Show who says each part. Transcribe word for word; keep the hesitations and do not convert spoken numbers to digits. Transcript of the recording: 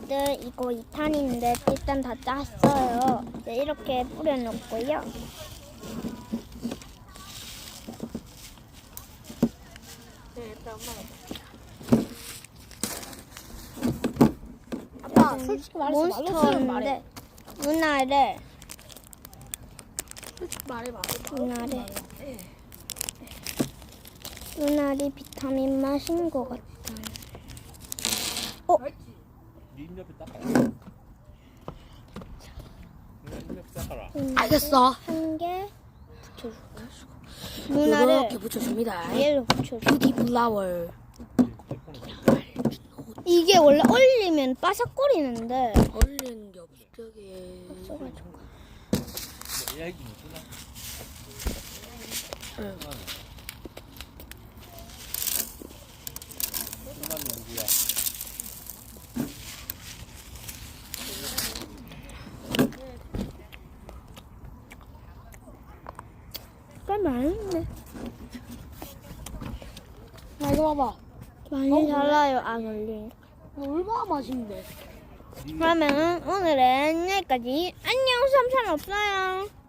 Speaker 1: 여러분들 이거 이 탄인데 일단 다 짰어요. 이제 이렇게 뿌려놓고요.
Speaker 2: 네, 일단 엄마가 아빠 솔직히 말해서 말로 쓰면 말해.
Speaker 1: 몬스터인데 누나를
Speaker 2: 솔직히 말해봐.
Speaker 1: 누나를 누나리 비타민 맛인 것 같아. 어?
Speaker 3: 네 입 옆에 닦아라. 네, 입 옆에 닦아라.
Speaker 2: 알겠어.
Speaker 1: 한개
Speaker 2: 붙여줄까?
Speaker 1: 누나를
Speaker 2: 이렇게 붙여줍니다.
Speaker 1: 얘로 붙여줘.
Speaker 2: 뷰티 플라워.
Speaker 1: 이게 원래 얼리면 바삭거리는데
Speaker 2: 얼른 엽떡에.
Speaker 1: 써가지고.
Speaker 3: 뭐 이야기 못 쓰나?
Speaker 2: 응.
Speaker 3: 누나는 누구야?
Speaker 1: 꽤 많은데
Speaker 2: 야 이거 봐봐.
Speaker 1: 많이
Speaker 2: 어,
Speaker 1: 달라요. 안 얼리.
Speaker 2: 얼마나 맛있는데.
Speaker 1: 그러면 오늘은 여기까지. 안녕. 삼촌 없어요.